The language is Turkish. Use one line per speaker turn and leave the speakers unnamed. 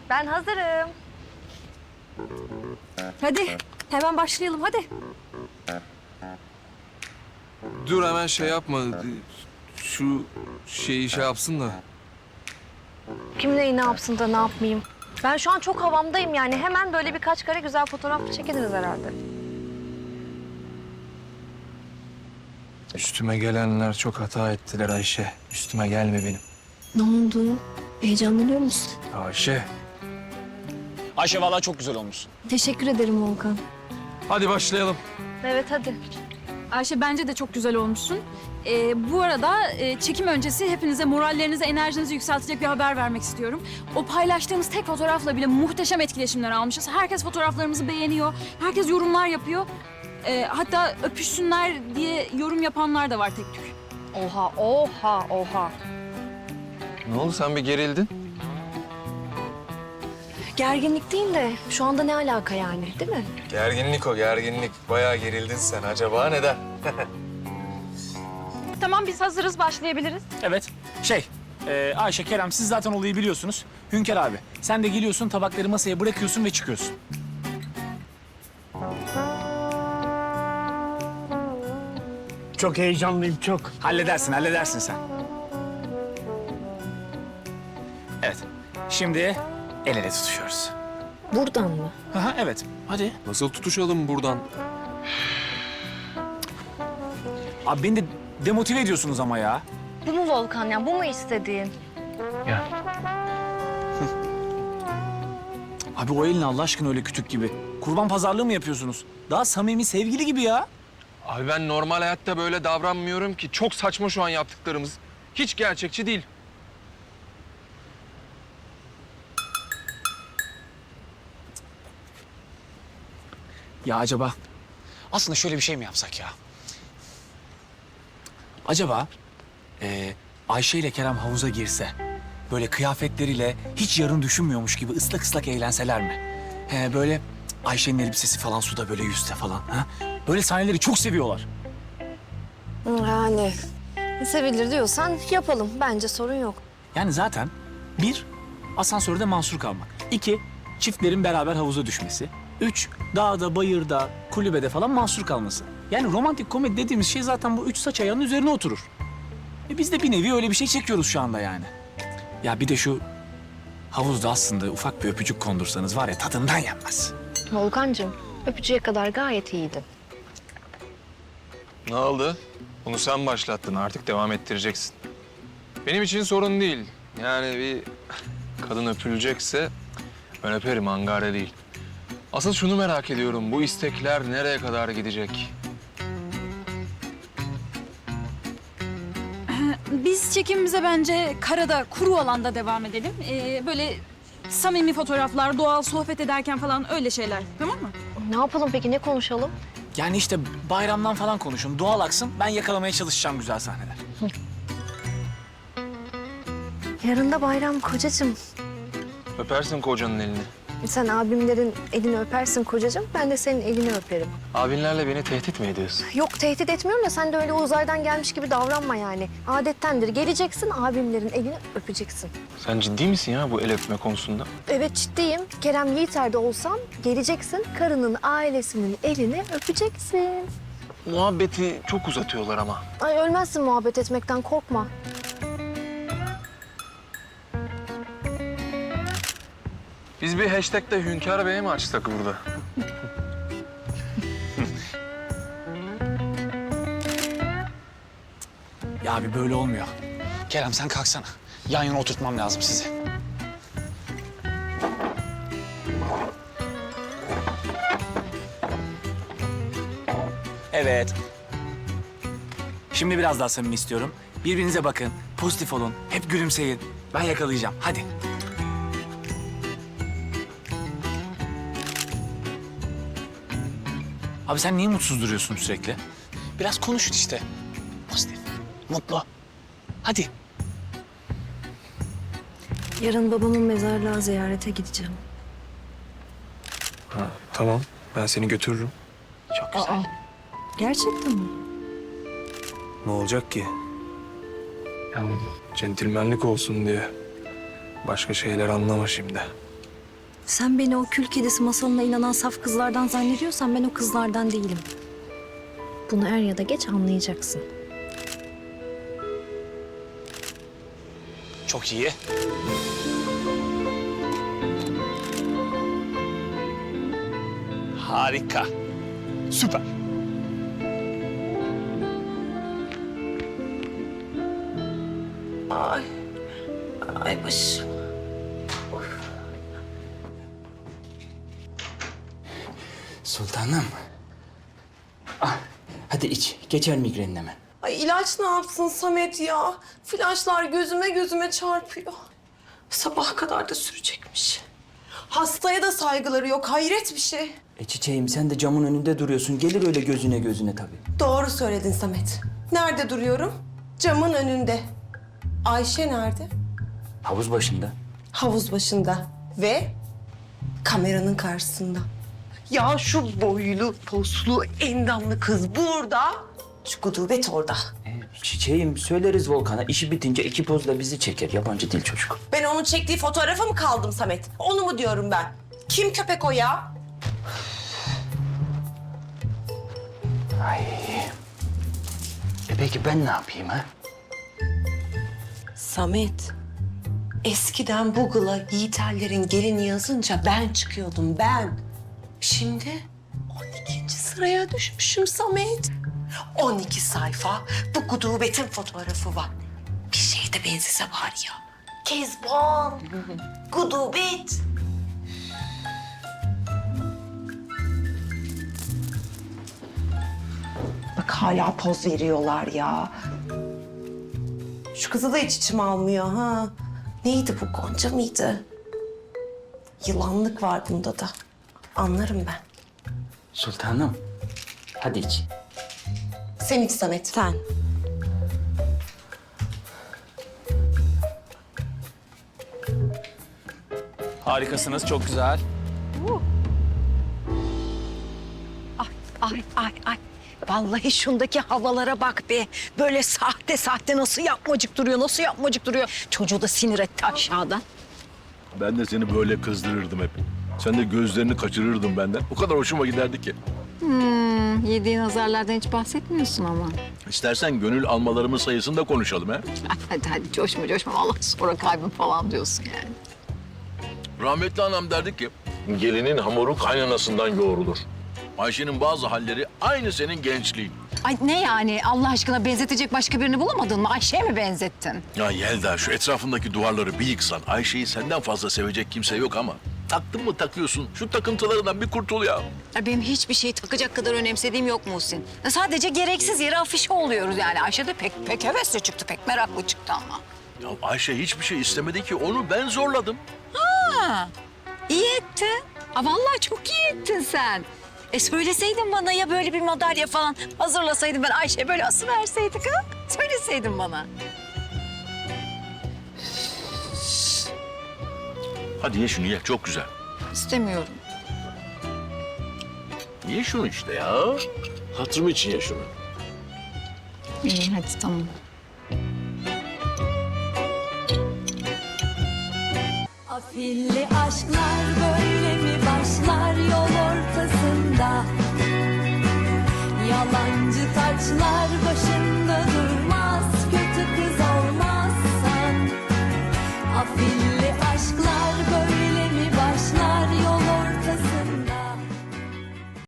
Ben hazırım. Hadi hemen başlayalım hadi.
Dur hemen şey yapma. Şu şeyi şey yapsın da.
Kim neyi ne yapsın da ne yapmayayım. Ben şu an çok havamdayım yani. Hemen böyle birkaç kare güzel fotoğraf çekiliriz herhalde.
Üstüme gelenler çok hata ettiler Ayşe. Üstüme gelme benim.
Ne oldu? Heyecanlanıyor musun?
Ayşe.
Ayşe vallahi çok güzel olmuşsun.
Teşekkür ederim Volkan.
Hadi başlayalım.
Evet hadi.
Ayşe bence de çok güzel olmuşsun. Bu arada çekim öncesi hepinize morallerinizi, enerjinizi yükseltecek bir haber vermek istiyorum. O paylaştığımız tek fotoğrafla bile muhteşem etkileşimler almışız. Herkes fotoğraflarımızı beğeniyor, herkes yorumlar yapıyor. Hatta öpüşsünler diye yorum yapanlar da var tek tük.
Oha oha oha.
Ne oldu sen bir gerildin?
Gerginlik değil de şu anda ne alaka yani değil mi?
Gerginlik o gerginlik. Bayağı gerildin sen. Acaba neden?
Tamam biz hazırız başlayabiliriz.
Evet. Ayşe, Kerem siz zaten olayı biliyorsunuz. Hünkar abi sen de geliyorsun tabakları masaya bırakıyorsun ve çıkıyorsun.
Çok heyecanlıyım, çok.
Halledersin sen. Evet. Şimdi el ele tutuşuyoruz.
Buradan mı?
Aha, evet. Hadi.
Nasıl tutuşalım buradan?
Abi beni de demotive ediyorsunuz ama ya.
Bu mu Volkan ya? Bu mu istediğin?
Abi o elin Allah aşkına öyle kütük gibi. Kurban pazarlığı mı yapıyorsunuz? Daha samimi sevgili gibi ya.
Abi ben normal hayatta böyle davranmıyorum ki. Çok saçma şu an yaptıklarımız. Hiç gerçekçi değil.
Ya acaba aslında şöyle bir şey mi yapsak ya? Acaba Ayşe ile Kerem havuza girse, böyle kıyafetleriyle hiç yarın düşünmüyormuş gibi ıslak ıslak eğlenseler mi? Böyle Ayşe'nin elbisesi falan suda böyle yüzse falan. Ha? Böyle sahneleri çok seviyorlar.
Yani sevilir diyorsan yapalım. Bence sorun yok.
Yani zaten bir, asansörde mahsur kalmak. İki, çiftlerin beraber havuza düşmesi. Üç, dağda, bayırda, kulübede falan mahsur kalması. Yani romantik komedi dediğimiz şey zaten bu üç saç ayağının üzerine oturur. Biz de bir nevi öyle bir şey çekiyoruz şu anda yani. Ya bir de şu havuzda aslında ufak bir öpücük kondursanız var ya tadından yenmez.
Volkancığım öpücüğe kadar gayet iyiydin.
Ne oldu? Bunu sen başlattın. Artık devam ettireceksin. Benim için sorun değil. Yani bir kadın öpülecekse ben öperim, angare değil. Asıl şunu merak ediyorum. Bu istekler nereye kadar gidecek?
Biz çekimimize bence karada, kuru alanda devam edelim. Böyle samimi fotoğraflar, doğal sohbet ederken falan öyle şeyler. Tamam mı?
Ne yapalım peki? Ne konuşalım?
Yani işte bayramdan falan konuşun, doğal aksın. Ben yakalamaya çalışacağım güzel sahneler.
Yarın da bayram kocacığım.
Öpersin kocanın elini.
Sen abimlerin elini öpersin kocacığım. Ben de senin elini öperim.
Abinlerle beni tehdit mi ediyorsun?
Yok tehdit etmiyorum da sen de öyle uzaydan gelmiş gibi davranma yani. Adettendir. Geleceksin abimlerin elini öpeceksin.
Sen ciddi misin ya bu el öpme konusunda?
Evet ciddiyim. Kerem Yiğiter'de olsam geleceksin. Karının ailesinin elini öpeceksin.
Muhabbeti çok uzatıyorlar ama.
Ay ölmezsin muhabbet etmekten korkma.
Biz bir hashtag'te Hünkar Bey'e mi açsak burada?
Ya abi böyle olmuyor. Kerem sen kalksana. Yan yana oturtmam lazım sizi. Evet. Şimdi biraz daha samimi istiyorum. Birbirinize bakın, pozitif olun, hep gülümseyin. Ben yakalayacağım, hadi. Abi sen niye mutsuz duruyorsun sürekli? Biraz konuşun işte. Pozitif, mutlu. Hadi.
Yarın babamın mezarlığa ziyarete gideceğim.
Ha, tamam. Ben seni götürürüm.
Çok güzel.
Gerçekten mi?
Ne olacak ki? Yani centilmenlik olsun diye. Başka şeyler anlama şimdi.
Sen beni o kül kedisi masalına inanan saf kızlardan zannediyorsan ben o kızlardan değilim. Bunu er ya da geç anlayacaksın.
Çok iyi. Harika. Süper.
Ay başım.
Sultanım. Ah, hadi iç. Geçer migrenin hemen.
Ay ilaç ne yapsın Samet ya? Flaşlar gözüme çarpıyor. Sabaha kadar da sürecekmiş. Hastaya da saygıları yok. Hayret bir şey.
Çiçeğim sen de camın önünde duruyorsun. Gelir öyle gözüne tabii.
Doğru söyledin Samet. Nerede duruyorum? Camın önünde. Ayşe nerede?
Havuz başında.
Havuz başında. Ve kameranın karşısında. Ya şu boylu, poslu, endamlı kız burada. Şu gudubet orada.
Çiçeğim söyleriz Volkan'a. İşi bitince iki pozla bizi çeker. Yabancı dil çocuk.
Ben onun çektiği fotoğrafa mı kaldım Samet? Onu mu diyorum ben? Kim köpek o ya?
Ay. Peki ben ne yapayım ha?
Samet, eskiden Google'a Yiğiterlerin gelini yazınca ben çıkıyordum ben. Şimdi 12. sıraya düşmüşüm Samet. 12 sayfa bu gudubetin fotoğrafı var. Bir şeye de benzese var ya. Kezban, gudubet. Bak hala poz veriyorlar ya. Şu kızı da hiç içime almıyor ha. Neydi bu, Gonca mıydı? Yılanlık var bunda da. Anlarım ben.
Sultanım. Hadi iç.
Sen iç Samet. Sen.
Harikasınız. Çok güzel.
Ay. Vallahi şundaki havalara bak be. Böyle sahte nasıl yapmacık duruyor. Çocuğu da sinir etti aşağıdan.
Ben de seni böyle kızdırırdım hep. Sen de gözlerini kaçırırdın benden. O kadar hoşuma giderdi ki.
Yediğin azarlardan hiç bahsetmiyorsun ama.
İstersen gönül almalarımın sayısını da konuşalım ha.
Hadi coşma. Vallahi sonra kaybın falan diyorsun yani.
Rahmetli anam derdi ki, gelinin hamuru kaynanasından yoğrulur. Ayşe'nin bazı halleri aynı senin gençliğin.
Ay ne yani? Allah aşkına benzetecek başka birini bulamadın mı? Ayşe'ye mi benzettin?
Ya Yelda, şu etrafındaki duvarları bir yıksan, Ayşe'yi senden fazla sevecek kimse yok ama taktın mı takıyorsun. Şu takıntılarından bir kurtul ya.
Ya benim hiçbir şeyi takacak kadar önemsediğim yok Muhsin. Sadece gereksiz yere afişe oluyoruz yani. Ayşe de pek hevesli çıktı, pek meraklı çıktı ama.
Ya Ayşe hiçbir şey istemedi ki, onu ben zorladım.
İyi ettin. Vallahi çok iyi ettin sen. Söyleseydin bana ya böyle bir madalya falan hazırlasaydın ben Ayşe'ye böyle asıverseydik ha? Söyleseydin bana.
Hadi ye şunu ye, çok güzel.
İstemiyorum.
Ye şunu işte ya. Hatırım için ye şunu.
İyi hadi tamam.
Afilli aşklar böyle mi başlar yol ortasında? Yalancı taçlar başı